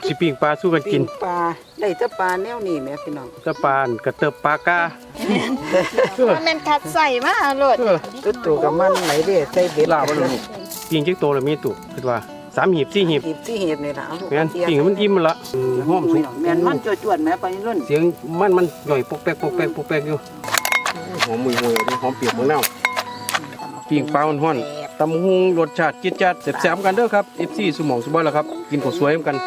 สิปิ้งปลาสู้กันกินปลาได้แต่ปลาแนวนี้แม่พี่น้องตะปานกระเติบปลากามันเป็นคัดใส่มาโลดตัวกับมันไหลเด้ใส่เบ็ดลาบ่ลูกปิ้งจักโตแล้วมีตุคิดว่า3หีบ4หีบที่เห็ดนี่ล่ะเอาลูกแม่นปิ้งมันอิ่มละหอมสุกแม่นมันจวดๆแม่ไปรุ่นเสียงมันหน่อยปกแป๊กปกแป๊กปกแป๊กอยู่หอมมุยๆหอมเปียกมะนาวปิ้งปลาฮ้อนๆตำหุงรสชาติจิ๊ดจัดแซ่บๆกันเด้อครับ FC สมองสุบ่ล่ะครับกินข้าวสวยกัน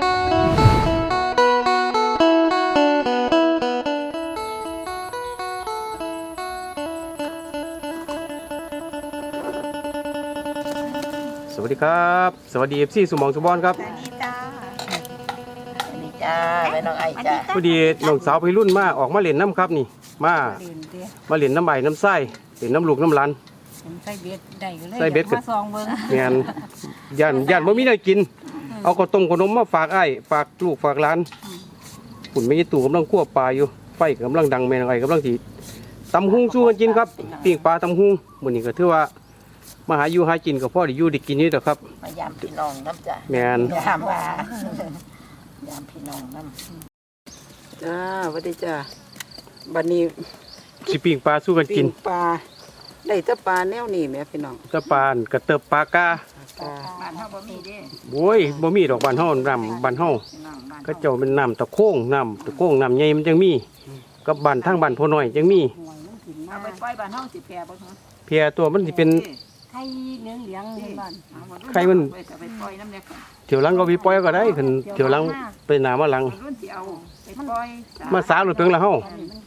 สวัสดีครับสวัสดี FC สมองสุบอนครับสวัสดีจ้าสวัสดีจ้าแม่น้องไอ้จ้าพอดีน้องสาวพี่รุ่นมาออกมาเล่นน้ำครับนี่มาเล่นน้ำใบน้ำไส้เล่นน้ำลูกน้ำหลานใส่เบ็ดได้เลยใส่เบ็ดมาซองเบิ่งแม่นย่านบ่มีได้กินเอาข้าวต้มขนมมาฝากอ้ายฝากลูกฝากหลานปุ่นไม่ใช่ตู่กำลังคั่วปลาอยู่ไฟกำลังดังแม่นองไอ้กำลังสิตำหุงสู้กันกินครับปิ้งปลาตำหุงมื้อนี้ก็ถือว่ามาหาอยู่หากินกับพ่อได้อยู่ได้กินนี่แหละครับมายามพี่น้องน้ำจ้าแม่นยามว่ายามพี่น้องน้ำจ้าสวัสดีจ้าบัดนี้สิปิ้งปลาสู้กันกินปลาได้แต่ปลาแนวนี้แม่พี่น้องตะปานกระเติบปลากาบ้านเฮาบ่มีเด้โอ้ยบ่มีดอกบ้านเฮาน้ำบ้านเฮาก็เจ้าเป็นน้ำตะโค้งน้ำใหญ่มันจังมีกับบ้านทางบ้านพ่อน้อยจังมีเอาไปปล่อยบ้านเฮาสิแพร่บ่ฮะเพียตัวมันสิเป็นไข่เหลืองๆบ้านไข่มันไปปล่อยน้ำเนี่ยเถียวหลังก็วิปล่อยก็ได้ขึ้นเถียวหลังไปหนามาหลังมาสาหลุดเพียงละเฮา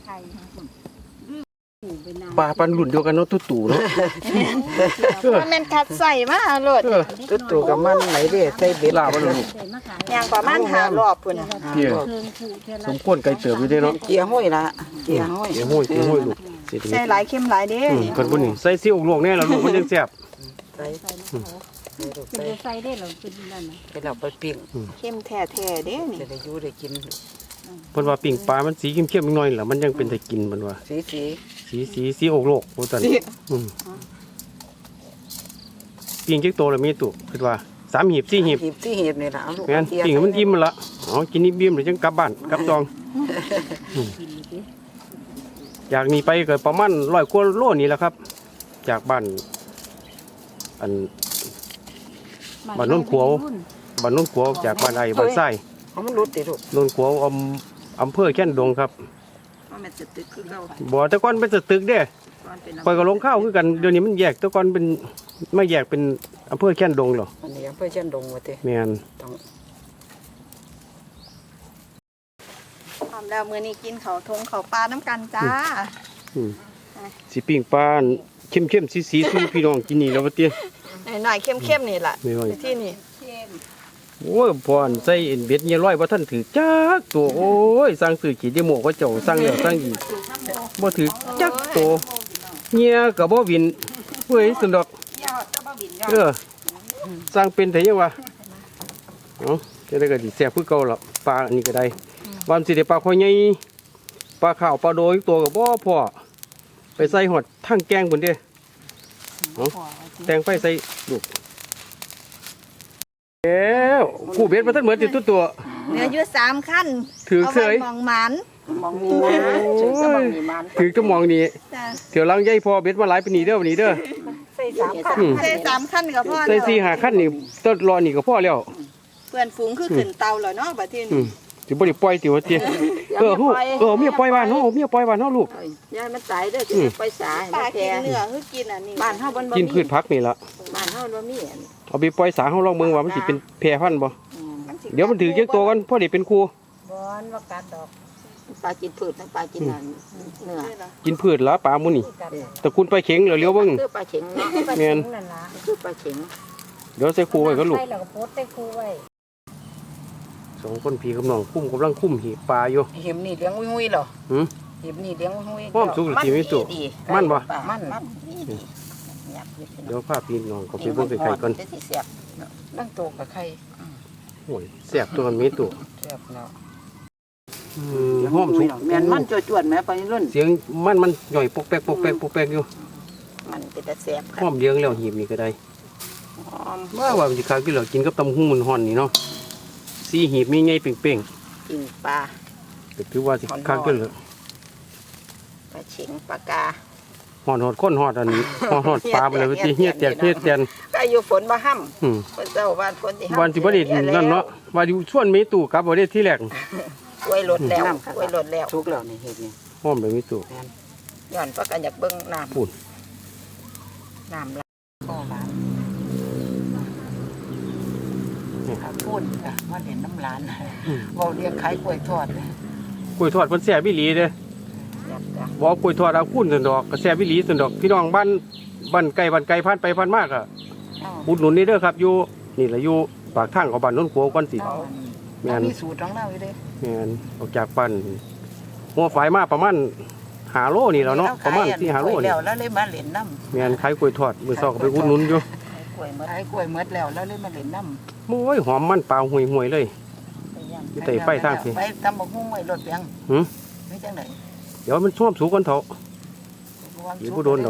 ปลาปันหลุดเดียวกันเนาะตู่เนาะมันเป็นคัดใส่มาโลดตัวกับมันไหลเด้ใส่เบ็ดลาบ่ลูกอย่างประมาณ5รอบพุ่นน่ะสมควรไก่เติบอยู่เด้เนาะเกียร์ห้อยละเกียร์ห้อยลูกใส่หลายเข้มหลายเด้คนพุ่นนี่ใส่ซีอิ๊วลวกแน่แล้วลูกมันจังแซ่บใส่ใส่ได้แล้วเป็นนั่นน่ะไปเราไปปิ้งเข้มแท้ๆเด้นี่จะได้อยู่ได้กินเพิ่นว่าปิ้งปลามันสีเข้มๆหน่อยล่ะมันยังเป็นได้กินเพิ่นว่าสีอกโลกโอ้ตันปิ้งจักโตแล้วมีตุคิดว่า3หีบ4หีบที่เห็ดนี่ล่ะเอาลูกแม่นปิ้งมันอิ่มละอ๋อกินนี่บิ่มแล้วจังกลับบ้านกลับจองอยากหนีไปก็ประมาณ100 กว่าโลนี่แหละครับจากบ้านอันบ้านโนนขัวจากบ้านไอ้บ้านไส้มันรุดติลูกโนนขัวอำเภอแค่นดงครับบ่แต่ก่อนเป็นตึกเด้ปล่อยก็ลงข้าวคือกันเดี๋ยวนี้มันแยกแต่ก่อนเป็นไม่แยกเป็นอำเภอแค่นดงหรออันนี้อำเภอแค่นดงว่าติแม่นพร้อมแล้วมื้อนี้กินข้าวทงข้าวปลาน้ำกันจ้าสิปิ้งปลาเข้มๆสีๆสู่พี่น้องกินนี่แล้วว่าติหน่อยเข้มๆนี่ล่ะที่นี่โอ้ยพรใส่เบ็ดเนี่ยร้อยบ่ทันถือจักตัวโอ้ยสั่งซื้อขี้เดโมก็เจ้าสั่งแล้วสั่งอีกบ่ถือจักตัวเนี่ยก็บ่วินเฮ้ยสุดดอกสั่งเป็นไผยังวะเอ้าจะได้ก็สิแซ่บคือเก่าล่ะปลาอันนี้ก็ได้วันสิได้ปลาคอใหญ่ปลาขาวปลาโดยตัวก็บ่พอไปใส่หอดทั้งแกงพุ่นเด้เอ้าแตงไฟใส่ลูกแล้วกูเบ็ดมาทั้งเหมือนติดตัวเหลืออยู่3ขั้นถือเสยมองหมันถือจะมองนี่เดี๋ยวลังใหญ่พอเบ็ดมาหลายปีนี้เด้อวันนี้เด้อใส่3ขั้นกับพ่อใส่4 5ขั้นนี่ต้นรอนี่ก็พอแล้วเพื่อนฝูงคือขึ้นเตาแล้วเนาะบัดนี้สิบ่ได้ปล่อยติว่าติเมียปล่อยบ้านเฮาลูกยายมันตายเด้อสิไปสาปลากินเนื้อคือกินอันนี้บ้านเฮาบ่กินพืชผักนี่ล่ะบ้านเฮาบ่มีเอาไปปล่อยสาเฮาลองเบิ่งว่ามันสิเป็นแพร่พันธุ์บ่เดี๋ยวมันถือเก็บตัวกันพอได้เป็นครูบ่ว่ากัดดอกปลากินพืชทั้งปลากินเนื้อกินพืชละปลาหมู่นี่ตระกูลปลาเข็งแล้วเลี้ยวเบิ่งคือปลาเข็งเนาะแม่นคือปลาเข็งเดี๋ยวใส่ครูไว้ก็ลูกใส่แล้วก็โพสใส่ครูไว้ 2คนพี่กับน้องกำลังคุ้มหีบปลาอยู่เห็มนี่เลี้ยงหุ้ยๆเหรอเห็มนี่เลี้ยงหุ้ยพร้อมสุกหรือสิมีตัวมันบ่มันเดี๋ยวพาพี่น้องก็ไปเบิ่งไข่ก่อนนั่งโตกับไข่โอ้ยแซ่บตัวมันมีตัวแซ่บเนาะหอมสุกแม่นมันจวดๆแม่ไปรุ่นเสียงมันหน่อยปกแป๊กอยู่มันเป็นแต่แซ่บหอมเลี้ยงแล้วหีบนี่ก็ได้ว่ามันสิคักอยู่แล้วกินกับตำหู้มันฮ้อนนี่เนาะ 4หีบมีไงเป่งปิ่งปลาๆก็ถือว่าสิคักเกินเลยปลาเฉิงปลากาหอดคนหอดอันนี้หอดปลาไปเลยว่าสิเฮียแตกเฮียแตนก็อยู่ฝนบ่ห้อืมำเพิ่นเจ้าบ้านฝนที่ห้ำวันสิบ่ได้นั่นเนาะว่าอยู่ชวนมีตู้กลับบ่ได้ที่แรกกล้วยหลดแล้วกล้วยหลดแล้วทุกแล้วนี่เฮ็ดนี่ห้อมไปมีตู้ย้อนเพราะกันอยากเบิ่งน้พูดำน้ำละก็หลานถ้าพูดอ่ะว่าเด่นน้ำหลานเว้าเรียกขายกล้วยทอดเลยกล้วยทอดเพิ่นแซ่บอีหลีเด้ออยากจะบ่กล้วยทอดเอาคุ้นซั่นดอกก็แซ่บอีหลีซั่นดอกพี่น้องบ้านไกลผ่านไปผ่านมาก็เอาอุดหนุนนี่เด้อครับอยู่นี่ล่ะอยู่ปากทางของบ้านโน้นขัวก่อนสิเอาแม่นมีสูตรของเราอยู่เด้แม่นออกจากบ้านหัวฝายมาประมาณ5โลนี่แล้วเนาะประมาณ4-5โลกวยนี่แล้วแล้วเลยมาเล่นน้ำแม่นขายกล้วยทอดมื้อเช้าก็ไปอุดหนุนอยู่กล้วยหมดขายกล้วยหมดแล้วแล้วเลยมาเล่นน้ำโอ้ยหอมมันปลาห่วยๆเลยไปย่างอยู่ใต้ไฟทางสิไปตำบักหุ่งไว้รถเปียงหือไม่จังได๋เดี๋ยวมันช่วมสูงก่อนเถอะ อยู่บ่โดนดอก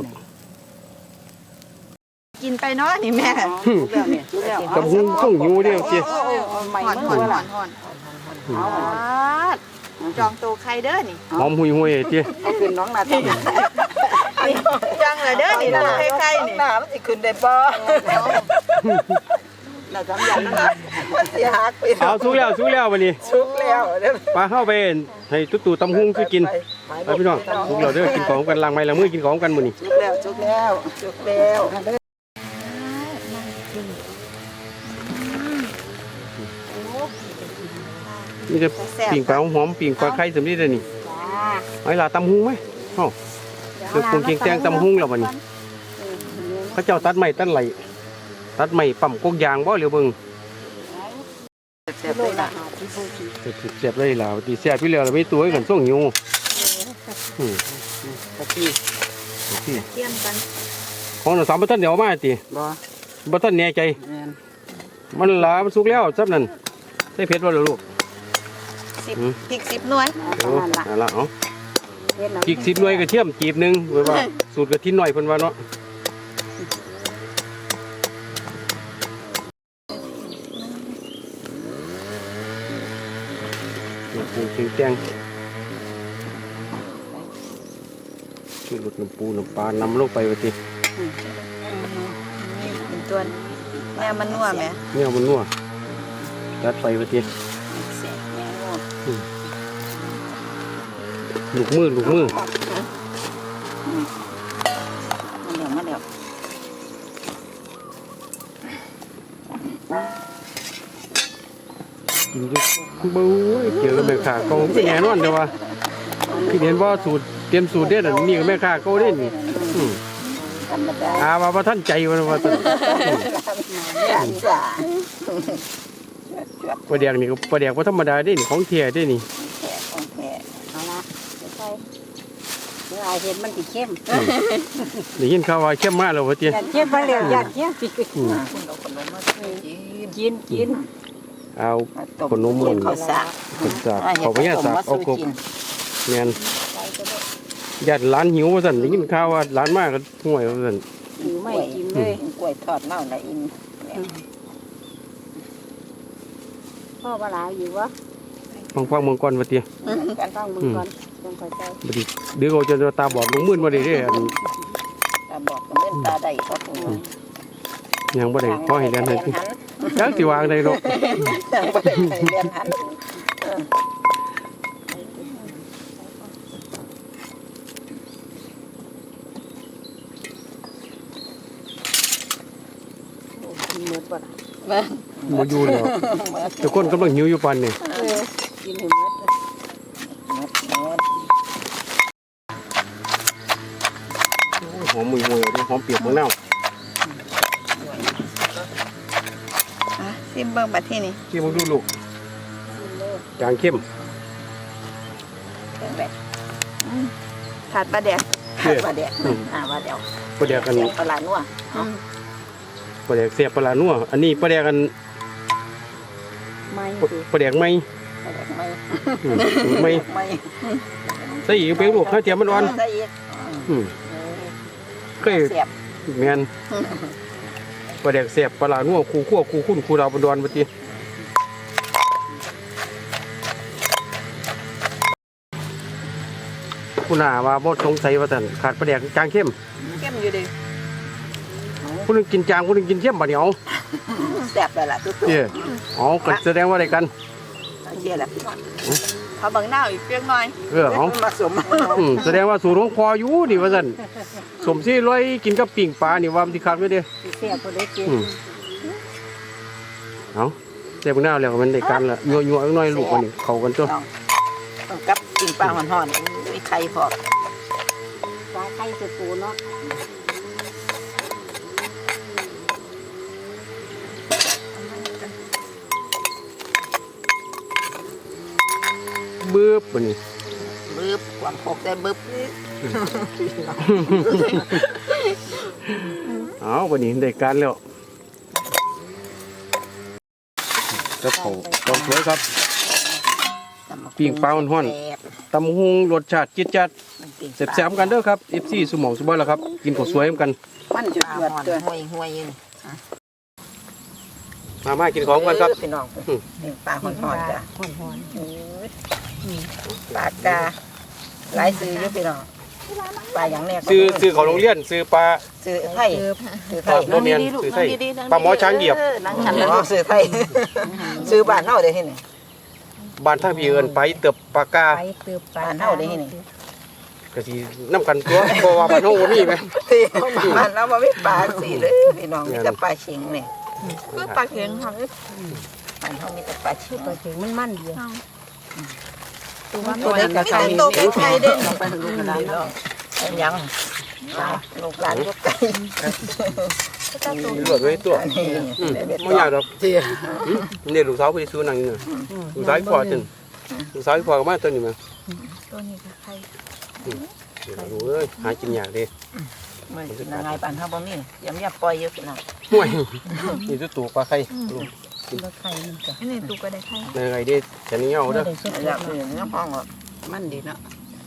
กินไปเนาะนี่แม่ทุกแล้วเนี่ยทุกแล้วตำหุงต้องหิวเด้อสิใหม่หอนเมื่หออนล่ะหอนจองตัวใครเด้อนี่หอมห่วยๆติเอาขึ้นน้องนาตาจองเลยเด้อนี่ตัวใครๆนี่หน้ามันสิขึ้นได้บ่น่าจำอย่างนั้นนะมันสิหักไปเอาสู้แล้วบัดนี้ชุกแล้วเด้อปลาเข้าไปให้ตุ๊ตำหุงคือกินไปพี่น้องทุกเราเด้อกินของกันล้างไม้ล้างมือกินของกันมื้อนี้ทุกแล้วทุกแล้วชุกแล้วนี่จะปิ่งปลาหอมปิ่งปลาไข่สำลีเด้อนี่ไอ้ล่ะตำหุงไหมเอ้าเดี๋ยวปรุงเคียงแตงตำหุงแล้วบัดนี้เขาเจ้าตัดไม้ตัดไหลตัดไม้ปั๊มกกยางบ่เหลียวเบิ่งเสียบเลยนะเสียบเลยล่ะตีเสียบพี่เหลือแล้วมีตัวให้กันส่งหิวอืมตะกี้ที่เทียมกันของเราสามบ่ทันเดี๋ยวเอามาติบ่บ่ทันแน่ใจแม่นมันหลามันสุกแล้วซับนั่นใส่เผ็ดบ่ล่ะลูก 10พริก10หน่วยโอ้นั่นล่ะเอ้าเฮ็ดพริก10หน่วยกระเทียมจีบหนึงไว้ว่าสูตรกระทินหน่อยเพิ่นว่าเนาะปรุงเคียงแตงชื่อรสน้ำปูน้ำปลานำลงไปว่าตินี่เป็นตัวแม่มันนัวแม่เนี่ยมันนัวจัดไปว่าติเสียแม่งลูกมือมาแล้วกินจุบู๊ยเกี่ยวกับแม่ค้าก็เป็นแน่นอนเด้อว่าที่เห็นว่าสูตรเตรียมสูตรเด็ดอันนี้ก็แม่ค้าก็เด่นว่าท่านใจว่าท่านจ้าปลาแดกนี่ก็ปลาแดกว่าธรรมดาเด่นของเทียเด่นนี่ของแท้เอาละใส่เมื่ออาเห็นมันสิเข้มได้ยินข่าวว่าเข้มมากแล้วว่าเตี้ยอยากเข้มมาแล้วอยากเข้มคุณเอาขนมมากินกินเอาขนมมันข้าวสารเขาไปย่าสากเอากบแม่นญาติร้านหิวว่าสั่นได้ยินข่าวว่าร้านมากก็ห่วยว่าสั่นหิวไม่กินเลยกล้วยทอดเน่าละอินพ่อปลาหลายอยู่วะฟังเมืองก่อนว่าเตี้ยกันต้องมึงก่อนต้องคอยใจบ่ดีเดี๋ยวเขาจะตาบอดลงมืดบ่ได้เด้ออันตาบอกกับเล่นตาได้ก็คงยังบ่ได้ขอให้เรียนให้จักสิวางได้ดอกบ่ได้เรียนหันกินหมดบ่ล่ะบ่อยู่แล้วทุกคนกำลังหิวอยู่ปานนี้กินให้หมดหอมมือหอมเปียกเมืองนาวซิมเบิ่งบัดที่นี่ที่มึงดูลูกจางเข้มขาดปลาแดกว่าเด็กว่าเดี๋ยวปลาแดกกันปลานัวปลาแดกเสียบปลานัวอันนี้ปลาแดกกันไม่สิปลาแดกไม่ไม่ไม่ไม่ใส่อีกเป็นลูกข้าวเทียมมันอ่อนใส่อีกเคยเสียบแมนปลาแดกเสียบปลานัวคู่คั่วคู่คุ้นคู่ดาวบนดอนปฏิคุณอาว่าบ่สงสัยว่าท่านขาดปลาแดกจางเข้มเข้มอยู่ดิผู้หนึงกินจางผู้หนึงกินเข้มบัดนี้เอาแซ่บเลยล่ะตุ๊กเด้อเอาก็แสดงว่าได้กันๆเชี่ยแหละพี่น้องเขาบังหน้าอีกเพียงหน่อยเอามาสมแสดงว่าสูตรของพ่ออยู่นี่ว่าซั่นสมซี่ร้อยกินกับปิ้งปลานี่ว่ามันสิคักอยู่เด้อเสียบ่ได้กินเอาแต่เบิ่งหน้าแล้วก็มันได้กันละยัวๆอีกหน่อยลูกอันนี้เข้ากันตัวต้องกับกินปลาห่อนๆมีไข่พอปลาไข่สุปูเนาะบึ้บบัดนี้บึบความโคกได้บึบเอาบัดนี้ได้การแล้วกับเขาต้องสวยครับ ปิ้งปลาห่อนๆ ตำหุงรสชาติจิ๊ดจัดแซ่บๆกันเด้อครับ FC สมองสบายแล้วครับ กินข้าวสวยเหมือนกันมันจุดเดือดตัวห่วยๆอยู่มากินของกันครับพี่น้องปิ้งปลาห่อนๆจ้ะห่อนปลากาหลายซื้ออยู่พี่น้องปลาอย่างแรกซื้อของโรงเรียนซื้อปลาซื้อไทยซื้อไทยโรงเรียนซื้อไทยปลาหมอช้างเหยียบนังฉันแล้วซื้อไทยซื้อบ้านเฮาได้ที่ไหนบ้านท่าพี่เอิ้นไปเติบปลากาไปเติบปลาบ้านเฮาได้ที่ไหนก็สินํกันตัวเพราะว่าบ้านเฮาบ่มีแม่ที่บ้านเราบ่มีปลาสิเลยพี่น้องมีแต่ปลาเข็งนี่คือปลาเข็งค่ะบ้านเฮามีแต่ปลาเข็งปลาเข็งมันดีตัวเล็กกับไก่โตเป็นไข่เด่นไปลูกกระดานเนาะยังลูกหลานลูกไก่รวดไว้ตัวนี่บ่ยากดอกนี่ลูกสาวไปซื้อนั่งนี่ลูกสาวพ่อจังลูกสาวพ่อก็มาตัวนี้มาตัวนี้คือไข่เดี๋ยวดูเอ้ยหากินยากเด้มันกินยังไงบ้านเฮาบ่มียำยำปล่อยอยู่พี่น้องห่วยนี่ตัวตัวปลาไข่ปลาไข่มันก็อันนี้ตูก็ได้ไข่ในไงเด้ฉันนี่เอาเด้อได้สุดอยากอื่นน้ำห้องมันดีเนาะ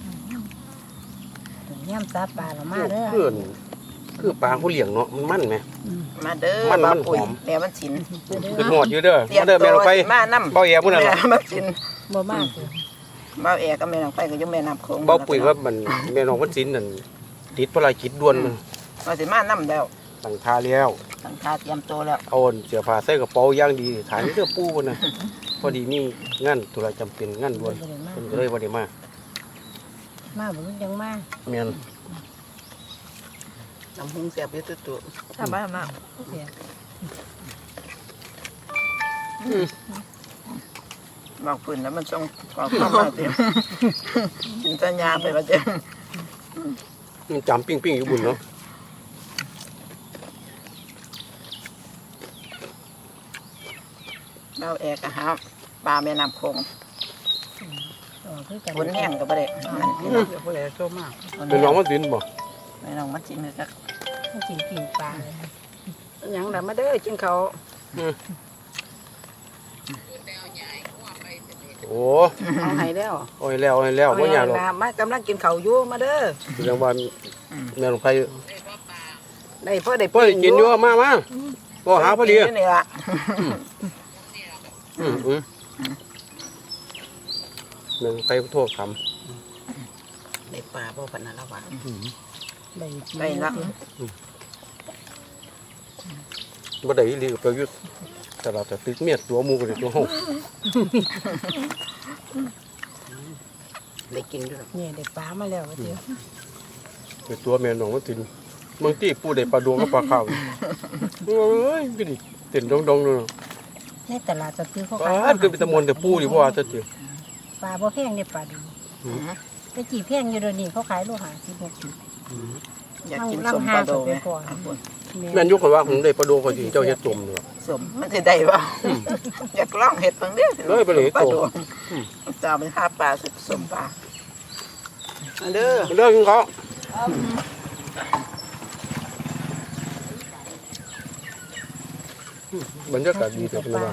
ย่ำซาปลาละมาเด้อคือปลาเขาเลี้ยงเนาะมันมันไหมมาเด้อมันมาหปุ๋ยอมแม่มันสินคือหอดอยู่เด้อเตรียมาเด้อแม่ลงไปมาน้ำเบาแย่พุ่นน่ะแม่มันสินบ่มากเลยเบาแอก็แม่ลงไปก็อยู่แม่น้ำโขงเบาปุ๋ยว่ามันแม่น้องมันสินนั่นติดภารกิจด่วนมันมาสิมาน้ำแล้วตั้งท่าแล้วตั้งท่าเตรียมตัวแล้วเอาเสื้อผ้าใส่กระเป๋าอย่างดีฐานเสื้อปูพุ่นน่ะพอดีมีงานธุระจำเป็นงานด่วนเพิ่นก็เลยบ่ได้มามาบ่ยังมาแม่นน้ำหุงเสียบอยู่ตัวชาวบ้านมากเสียบอกปืนแล้วมันต้องขอเข้ามาเตรียมกินสัญญาไปว่าจะมันจำปิ้งๆอยู่บุญเนาะเบาแอก็หาปลาแม่น้ำโขงคือกันบนแห้งก็บ่ได้มันพี่น้องบ่ได้โตมากเป็นน้องมันสินบ่แม่น้องมันสินเลยจักกินปิ้งปลายังล่ะมาเด้อกินข้าวโอ้เอาให้แล้วโอ้ยแล้วบ่ยากหรอกมากำลังกินข้าวอยู่มาเด้อเรื่องว่าแม่ลงไปได้พอได้พอได้กินอยู่มาบ่หาพอดีนี่ล่ะแม่ลงไปโทษคำได้ปลาบ่ปานนั้นแล้วว่าได้ได้ละบ่ได้อีหลีกับประยุทธ์แต่เราจะติดเมียตัวหมูกันตัวเฮาได้กินด้วยเนี่ยได้ปลามาแล้วว่าเดียวเป็นตัวแม่น้องมันตินบางทีปูได้ปลาดวงกับปลาขาวเอ้ยก็ดิเต้นดองๆเลยในตลาดจะซื้อเขาปขาลาย คือเป็นตะมนแต่ปูดิบ่ว่าซะติปลาบ่แพงเนี่ยปลาดูไปจีแพงอยู่เดี๋ยวนี้เขาขายโลหะ16 อยากกินสมปลาโดไหมแม่นยกคนว่าผมได้ปลาดวงคนสิเจ้าเฮ็ดจมเนาะสมมันสิได้บ่อยากลองเห็ดเบิ่งเด้อเลยไปเลยปลาโตโดจะเอาไปหาปลาสมปลามาเด้อเลิกกินเขาบรรยากาศดีแต่เป็นว่า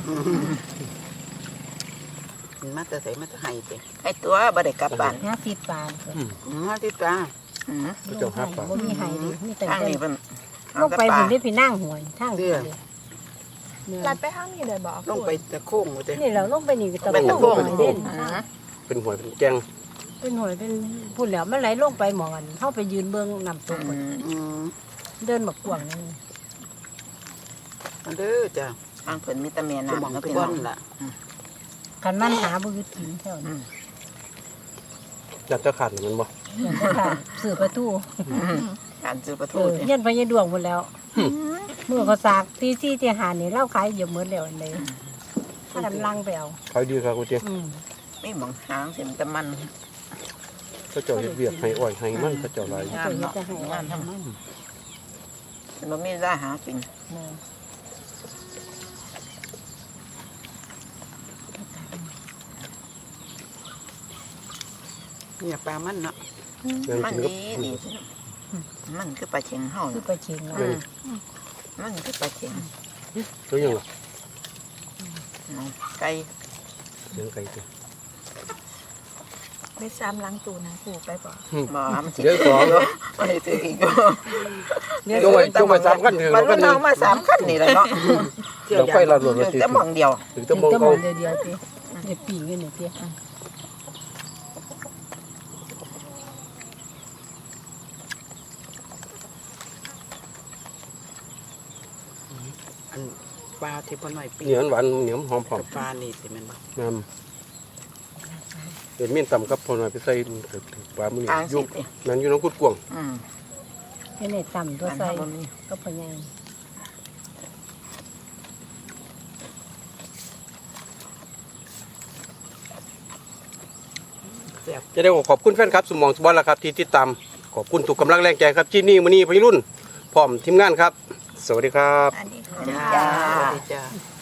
มาแต่ใส่มาแต่ให้สิไอ้ตัวบ่ได้กลับบ้าน 50ปลามาที่ปลาเจ้าหาปลาบ่มีให้ดิมีแต่ทางนี้เพิ่นลงไปถึงได้พี่นั่งหวยทางเดียวลัดไปข้างนี้เลยบอกลงไปตะโค้งว่าตินี่เราลงไปนี่ก็ตะไปตะโกโค้งนเด่นเป็นหวยเป็นแกงเป็นหอยเป็นพูดแล้วมันไหลลงไปหมอนเข้าไปยืนเบื้องน้ำตกหมดอืมเดินบักกวางนั่นมาเด้อจ้ะทางเพิ่นมีแต่แม่จะมองน้ำทุพี่กน้วัองนล่ะคันมันหาบือกินแถวนี้จัดจะขาดมันบ่เหมือนกันค่ะสื่อประตูการซื้อประเอตูอเนี่ยเย็นไปยันดวงหมดแล้วเมื่อเขาสากตีซี่ตีหานี่เล่าขายเยอะเหมือนแล้วอันเลยถ้ากันลังไปเอาขายดีครับกูเจ้อืมมีหมองหางสิมนแต่มันเขาเจ้าเฮ็ดเวียกให้อ้อยให้มันเขาเจ้าหลายเขาจะเฮ็ดจะให้งามทำมันมีราหากินเนี่ยปลามันเนาะยังมันกินกับดีมันคือปลาเข็งเฮาคือน่ะไปเชียงแล้วมันคือปลาเข็งตัวยังล่ะน้องไก่ยังไก่ตัวไปซ้ำล้างตูนะปู่ไปบ่บ่มันสิเดี๋ยวสองมันสิซื้ออีกจงไว้3คันถึงมันกันน้องมา3คันนี่แหละเนาะเดี๋ยวไฟเราหลดอยู่สิแต่หมองเดียวถึงถึจะงมองจะมเขาองเดียวๆทีเด็กปีกกันนี่ทีอันปลาที่พ่อหน่อยปีเหนียวหวานเหนียวหอมหอมกับปลานี่สิแม่นบ่น้ำเห็นเมี่ยนต่ำกับพอหน่อยไปใส่ปลาหมืออ่างยุสิกนั่นอยู่น้องกุดกวงอืมให้ในต่ำตัวอันใส่นั้นบ่มีก็พยายามแซ่บจะได้ขอบคุณแฟนครับสมองสบอลละครับที่ติดตามขอบคุณทุกกำลังแรงใจครับที่นี่มื้อนี้พี่รุ่นพร้อมทีมงานครับ สวัสดีครับอันนี้จ้าสวัสดีจ้า